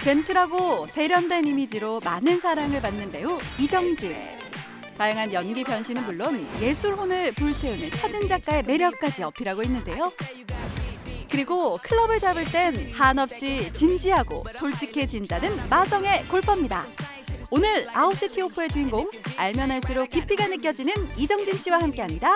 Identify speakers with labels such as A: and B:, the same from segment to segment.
A: 젠틀하고 세련된 이미지로 많은 사랑을 받는 배우 이정진. 다양한 연기 변신은 물론 예술혼을 불태우는 사진작가의 매력까지 어필하고 있는데요. 그리고 클럽을 잡을 땐 한없이 진지하고 솔직해진다는 마성의 골퍼입니다. 오늘 9시 티오프의 주인공, 알면 알수록 깊이가 느껴지는 이정진 씨와 함께합니다.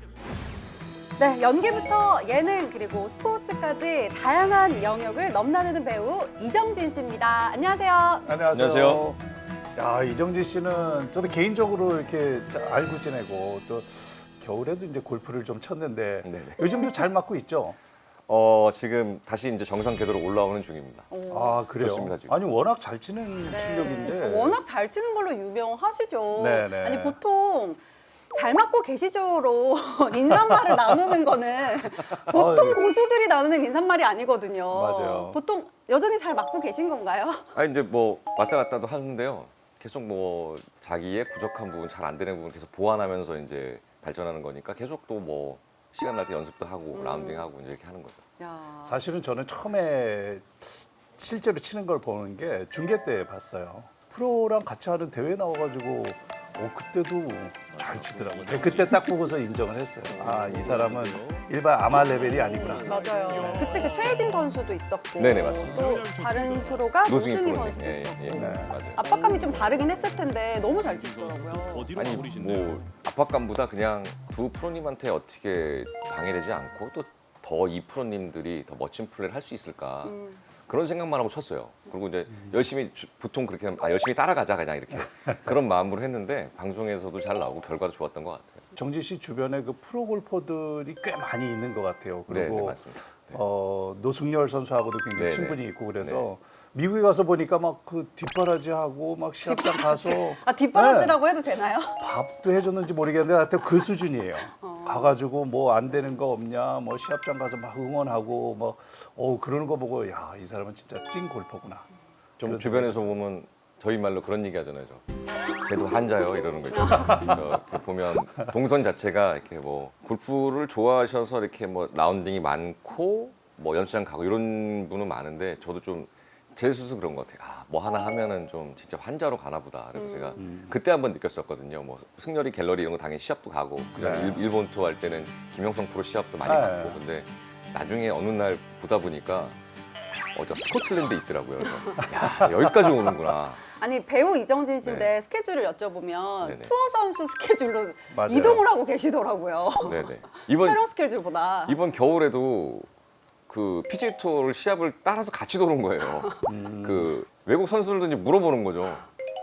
A: 네, 연기부터 예능 그리고 스포츠까지 다양한 영역을 넘나드는 배우 이정진 씨입니다. 안녕하세요.
B: 안녕하세요.
C: 야, 이정진 씨는 저도 개인적으로 이렇게 알고 지내고 또 겨울에도 이제 골프를 좀 쳤는데
B: 네네.
C: 요즘도 잘 맞고 있죠?
B: 지금 다시 이제 정상 궤도로 올라오는 중입니다.
C: 아, 그래요?
B: 좋습니다, 지금.
C: 아니, 워낙 잘 치는 실력인데.
D: 워낙 잘 치는 걸로 유명하시죠.
C: 네네.
D: 아니 보통 잘 맞고 계시죠로 인사말을 나누는 거는 보통
C: 아유.
D: 고수들이 나누는 인사말이 아니거든요.
C: 맞아요.
D: 보통 여전히 잘 맞고 계신 건가요?
B: 아니 이제 뭐 왔다 갔다도 하는데요. 계속 뭐 자기의 부족한 부분, 잘 안 되는 부분 계속 보완하면서 이제 발전하는 거니까 계속 또 뭐 시간 날 때 연습도 하고 라운딩하고 이제 이렇게 하는 거죠.
D: 야.
C: 사실은 저는 처음에 실제로 치는 걸 보는 게 중계 때 봤어요. 프로랑 같이 하는 대회 나와가지고 그때도 잘 치더라고요. 제가 그때 딱 보고서 인정을 했어요. 아, 이 사람은 일반 아마 레벨이 아니구나.
D: 맞아요. 그때 그 최혜진 선수도 있었고,
B: 네네, 맞습니다.
D: 또 다른 프로가
B: 노승희
D: 노승희
B: 프로님.
D: 선수도
B: 예,
D: 있었고.
B: 예,
C: 네.
B: 맞아요.
D: 압박감이 좀 다르긴 했을 텐데 너무 잘 치시더라고요.
B: 아니 뭐 압박감보다 그냥 두 프로님한테 어떻게 방해되지 않고 또 더 이 프로님들이 더 멋진 플레이를 할 수 있을까 그런 생각만 하고 쳤어요. 그리고 이제 열심히 보통 그렇게 하면 열심히 따라가자 그냥 이렇게 그런 마음으로 했는데 방송에서도 잘 나오고 결과도 좋았던 것 같아요.
C: 정진 씨 주변에 그 프로 골퍼들이 꽤 많이 있는 것 같아요.
B: 네,
C: 그리고
B: 맞습니다. 네.
C: 노승열 선수하고도 굉장히
B: 네,
C: 친분이
B: 네.
C: 있고 그래서 미국에 가서 보니까 막 그 뒷바라지하고 막 시합장 가서
D: 뒷바라지라고 해도 되나요?
C: 밥도 해줬는지 모르겠는데 하여튼 그 수준이에요. 가가지고 뭐 안 되는 거 없냐, 뭐 시합장 가서 막 응원하고 뭐 그러는 거 보고 야, 이 사람은 진짜 찐 골퍼구나.
B: 좀
C: 그래서
B: 주변에서 보면 저희 말로 그런 얘기 하잖아요. 쟤도 한자요 이러는 거 있잖아요. 이렇게 보면 동선 자체가 이렇게 뭐 골프를 좋아하셔서 이렇게 뭐 라운딩이 많고 뭐 연습장 가고 이런 분은 많은데 저도 좀 제 스스로 그런 것 같아요. 뭐 하나 하면은 좀 진짜 환자로 가나 보다. 그래서 제가 그때 한번 느꼈었거든요. 뭐 승렬이 갤러리 이런 거 당연히 시합도 가고 그다음에
C: 네.
B: 일본 투어 할 때는 김영성 프로 시합도 많이
C: 네.
B: 갔고 근데 나중에 어느 날 보다 보니까 저 스코틀랜드에 있더라고요. 그래서 야 여기까지 오는구나.
D: 아니 배우 이정진 씨인데
B: 네.
D: 스케줄을 여쭤보면
B: 네네.
D: 투어 선수 스케줄로
C: 맞아요.
D: 이동을 하고 계시더라고요.
B: 네네.
D: 촬영 스케줄보다.
B: 이번 겨울에도 그 PGA 투어를 시합을 따라서 같이 도는 거예요. 그 외국 선수들도 이제 물어보는 거죠.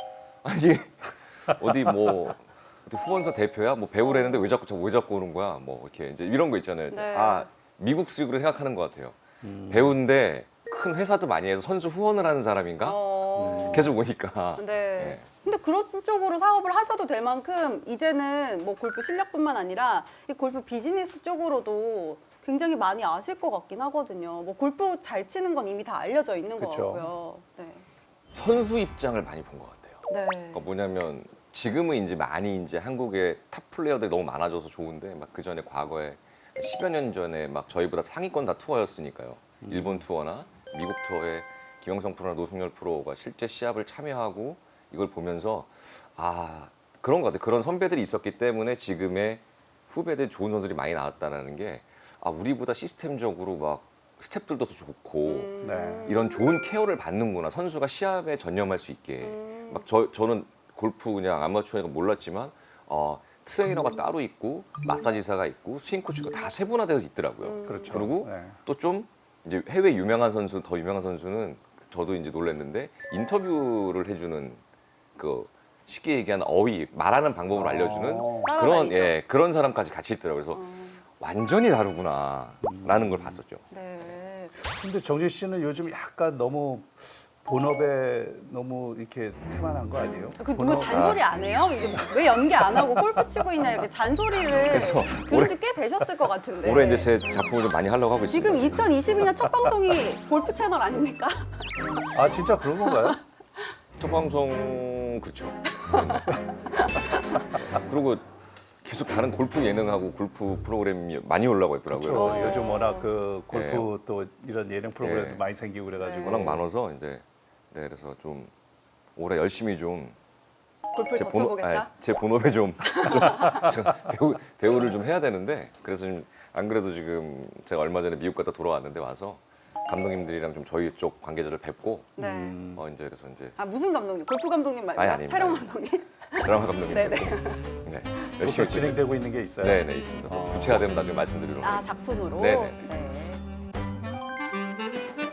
B: 아니 어디 뭐 어디 후원사 대표야? 뭐 배우라는데 왜 자꾸 오는 거야? 뭐 이렇게 이제 이런 거 있잖아요.
D: 네.
B: 미국식으로 생각하는 것 같아요. 배우인데 큰 회사도 많이 해서 선수 후원을 하는 사람인가? 계속 오니까.
D: 네.
B: 네.
D: 근데 그런 쪽으로 사업을 하셔도 될 만큼 이제는 뭐 골프 실력뿐만 아니라 이 골프 비즈니스 쪽으로도 굉장히 많이 아실 것 같긴 하거든요. 뭐 골프 잘 치는 건 이미 다 알려져 있는 것
C: 그쵸.
D: 같고요. 네.
B: 선수 입장을 많이 본 것 같아요.
D: 네.
B: 그러니까 뭐냐면 지금은 이제 많이 이제 한국의 탑 플레이어들이 너무 많아져서 좋은데 막 그 전에 과거에 10여 년 전에 막 저희보다 상위권 다 투어였으니까요. 일본 투어나 미국 투어에 김영성 프로나 노승열 프로가 실제 시합을 참여하고 이걸 보면서 그런 것 같아요. 그런 선배들이 있었기 때문에 지금의 후배들 좋은 선수들이 많이 나왔다는 게 우리보다 시스템적으로 막 스텝들도 더 좋고
C: 네.
B: 이런 좋은 케어를 받는구나. 선수가 시합에 전념할 수 있게. 막 저는 골프 그냥 아마추어니까 몰랐지만 트레이너가 따로 있고 마사지사가 있고 스윙 코치가 다 세분화돼서 있더라고요.
C: 그렇죠.
B: 그리고
C: 네.
B: 또 좀 이제 해외 유명한 선수, 더 유명한 선수는 저도 이제 놀랐는데 인터뷰를 해주는 그 쉽게 얘기하는 어휘, 말하는 방법을 알려주는
D: 따라다니죠.
B: 그런 사람까지 같이 있더라고요. 그래서 완전히 다르구나라는 걸 봤었죠.
D: 네.
C: 근데 정진 씨는 요즘 약간 너무 본업에 너무 이렇게 태만한 거 아니에요?
D: 그 누구 잔소리 안 해요? 이게 왜 연기 안 하고 골프 치고 있냐 이렇게 잔소리를
B: 그래서
D: 들은 지 꽤 되셨을 것 같은데.
B: 올해 이제 제 작품을 좀 많이 하려고 하고 있습니다.
D: 지금 2022년 첫 방송이 골프 채널 아닙니까?
C: 아, 진짜 그런 건가요?
B: 첫 방송 그렇죠. 그리고 계속 다른 골프 예능하고 골프 프로그램이 많이 올라오고 있더라고요.
C: 그렇죠.
B: 그래서
C: 요즘 워낙 그 골프 또 이런 예능 프로그램도
B: 네.
C: 많이 생기고 그래가지고
B: 워낙 많아서 이제 네, 그래서 좀 올해 열심히 좀
D: 골프를 더 쳐보겠다.
B: 제 본업에 좀 배우를 좀 해야 되는데 그래서 좀 안 그래도 지금 제가 얼마 전에 미국 갔다 돌아왔는데 와서 감독님들이랑 좀 저희 쪽 관계자를 뵙고
D: 네.
B: 이제 그래서 이제
D: 아 무슨 감독님? 골프 감독님 말고
B: 아니, 아닙니다.
D: 촬영 감독님?
B: 드라마 감독님
D: 네네.
B: 뵙고 네,
C: 열심히
B: 열심히
C: 진행되고 있는 게 있어요.
B: 네네 있습니다. 구체화되면 나중에 말씀드리도록
D: 아
B: 하겠습니다.
D: 작품으로.
B: 네네.
D: 네.